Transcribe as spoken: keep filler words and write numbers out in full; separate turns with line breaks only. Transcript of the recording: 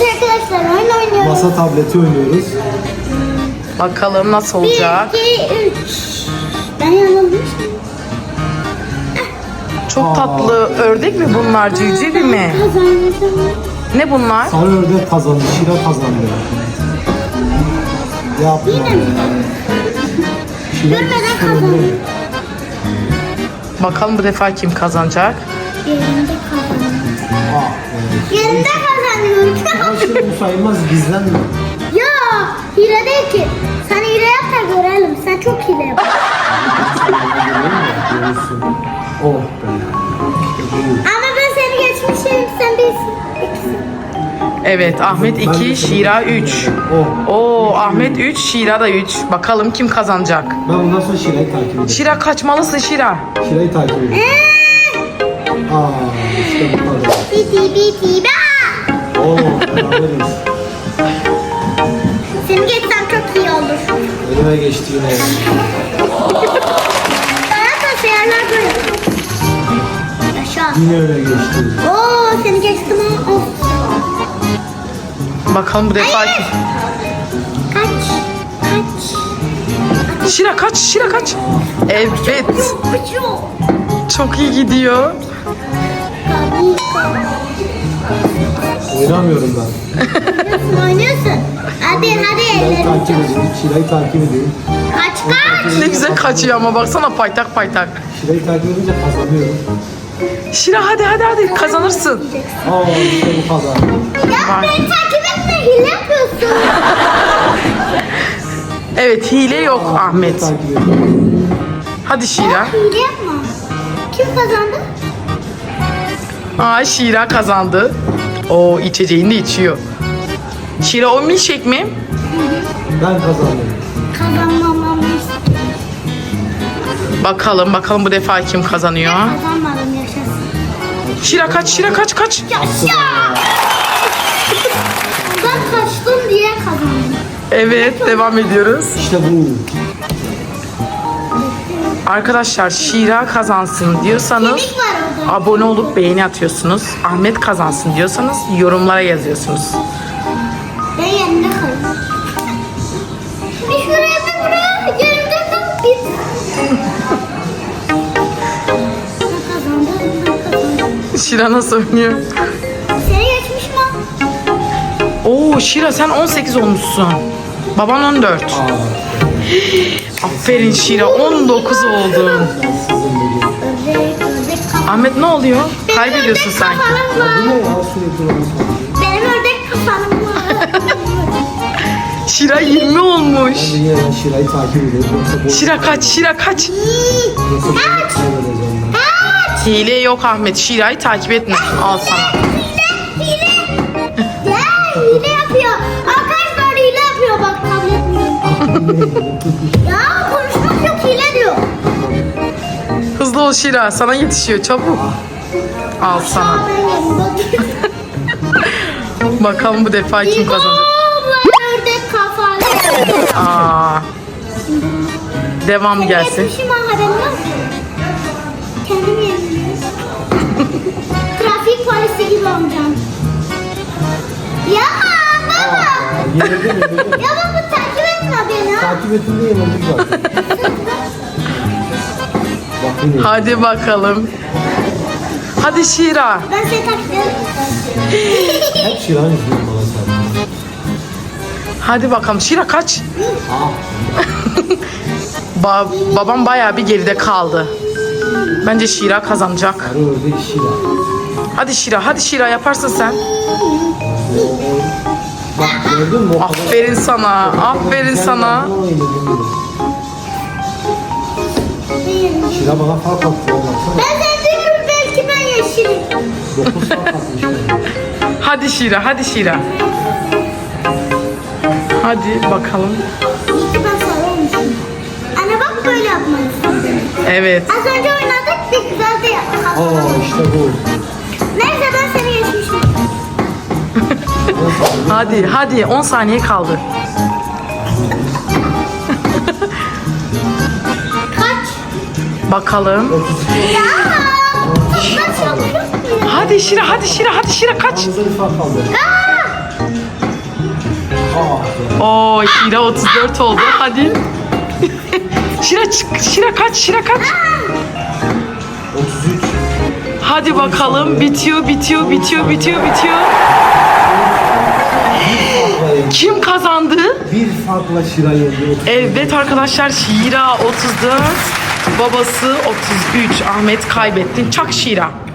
arkadaşlar oyun oynuyoruz.
Masa tableti oynuyoruz.
Bakalım nasıl olacak.
bir, iki, üç. Ben yanılmışım.
Çok
Aa.
tatlı. Ördek mi bunlar? Civciv mi?
Kazandım.
Ne bunlar?
Sarı ördek kazandı. Şira kazandı. Yapma.
Yine mi?
Şira
Görmeden
sıfır
kazandı.
önde.
Bakalım bu defa kim kazanacak?
Yerinde kazandım.
Aa, evet.
Yerinde kazanıyorum.
Ama şimdi bu sayılmaz. Gizlenme.
Ya hile değil ki. Sen hile yap da görelim. Sen çok hile yap.
Görürsün. Oh be. İşte bu.
Ama ben seni geçmişim. Sen değilsin. İkisin.
Evet, Ahmet
Ben de
iki,
seni
Şira
geçtim.
üç.
Oh.
Oo, Ahmet üç, Şira da üç. Bakalım kim kazanacak?
Ben bundan sonra Şira'yı takip edeceğim.
Şira kaçmalısın Şira.
Şira'yı takip edeceğim. Aa, işte bu kadar.
Biti biti ba.
Oo, beraberiz.
Seni geçsem çok iyi olur.
Elime geçti yine.
Bana da sayarlar böyle. Yaşa.
Yine öyle geçti.
Oo seni geçtim ha. Of.
Bakalım bu defa kim?
Kaç. Kaç.
Şira kaç, Şira kaç. Evet,
Uçuyor.
çok iyi gidiyor.
Oynamıyorum ben.
Oynuyorsun oynuyorsun. Hadi hadi
Şira'yı
ellerini
takip
çek.
edeyim. Şira'yı takip edeyim.
Kaç kaç.
Ne güzel kaçıyor ama baksana paytak paytak.
Şira'yı takip edince kazanıyorum.
Şira hadi hadi hadi kazanırsın.
Aa, işte bu kadar.
Ya
Vay.
beni takip etme hile yapıyorsun.
Evet, hile yok Ahmet.
Takip ediyorum.
Hadi Şira.
Hile yapma. Kim kazandı?
Aa, Şira kazandı. O içeceğini de içiyor. Şira o milkshake mi?
Ben kazandım.
Kazanmamam işte.
Bakalım bakalım bu defa kim kazanıyor?
Kazanmadım yaşasın.
Şira kaç, Şira kaç kaç.
Yaşa. Ben kaçtım diye kazandım.
Evet, devam ediyoruz.
İşte bu.
Arkadaşlar Şira kazansın diyorsanız
Kemik var orada.
abone olup beğeni atıyorsunuz. Ahmet kazansın diyorsanız yorumlara yazıyorsunuz.
Ben yerinde kalayım. Bir şuraya bir buraya. Yerimde kal. Git. Ben kazandım. Ben kazandım.
Şira nasıl oynuyor?
Seni geçmiş mi?
Oo Şira sen on sekiz olmuşsun. Baban on dört.
Aa,
Aferin Şira on dokuz oldun.
ben sizin bugün.
Ördek, ördek kafam.
Ahmet ne oluyor? Kaybediyorsun
Benim
sanki.
ördek
Bu
kafalım
ne
var.
ya sürekli onu soruyor.
Benim ördek kafalım var.
Şira yirmi olmuş.
Ben de yine ben Şira'yı takip ediyorum. Yoksa boş.
Şira kaç, Şira kaç.
Yoksa boş kaybedeceğim ben.
Hile yok Ahmet. Şira'yı takip etme. Al sana.
Hile, hile. Ya hile yapıyor. Arkadaşlar hile yapıyor bak tablet mi? Ya konuşmak yok hile diyor.
Hızlı ol Şira. Sana yetişiyor. Çabuk. Al sana.
Aa, ben yerim.
Bakalım bu defa kim kazanacak.
Ben ördek kafalı.
Aa. Devam gelsin.
Geçmişim ha haberim var. Kendim yerim. Trafik polisi gibi olacağım. Ya baba.
Yenildim yenildim.
Ya baba takip etme beni. ha.
Takip ettiğinde yenildik zaten. Bak yine.
Hadi bakalım. Hadi Şira.
Ben seni takip ederim.
Hep Şira'nın izliyorum bana sen.
Hadi bakalım. Şira kaç.
Aa,
Ba babam bayağı bir geride kaldı. Bence Şira kazanacak.
sarı ördek Şira.
Hadi Şira, hadi Şira yaparsın sen.
O- o- Bak gördün mü? O kadar-
Aferin sana, aferin
Sen
sana.
yaptın ama yenildim bile. Şira bana fark attı ya baksana.
Ben seni diyorum belki ben yeşilim.
dokuz fark atmış bana.
Hadi Şira, hadi Şira. Hadi bakalım.
İyi ki ben sarı olmuşum. Anne bak böyle yapmalısın.
Evet.
Az önce oynadık bir güzel de yaptık.
Aa işte bu.
Neyse ben seni geçmişim.
Hadi, hadi. on saniye kaldı.
Kaç?
Bakalım.
Ya! Ben çalışıyorum.
Hadi Şira, hadi Şira, hadi Şira kaç.
Aramızda bir fark kaldı.
Aa!
Ah.
Oo, Şira otuz dört oldu. Hadi. Şira çık. Şira kaç? Şira kaç?
otuz üç.
Hadi bakalım. Bitiyor, bitiyor, bitiyor, bitiyor, bitiyor. Kim kazandı?
Bir farkla Şira yendi.
Evet arkadaşlar, Şira otuz dört, babası otuz üç. Ahmet kaybettin. Çak Şira.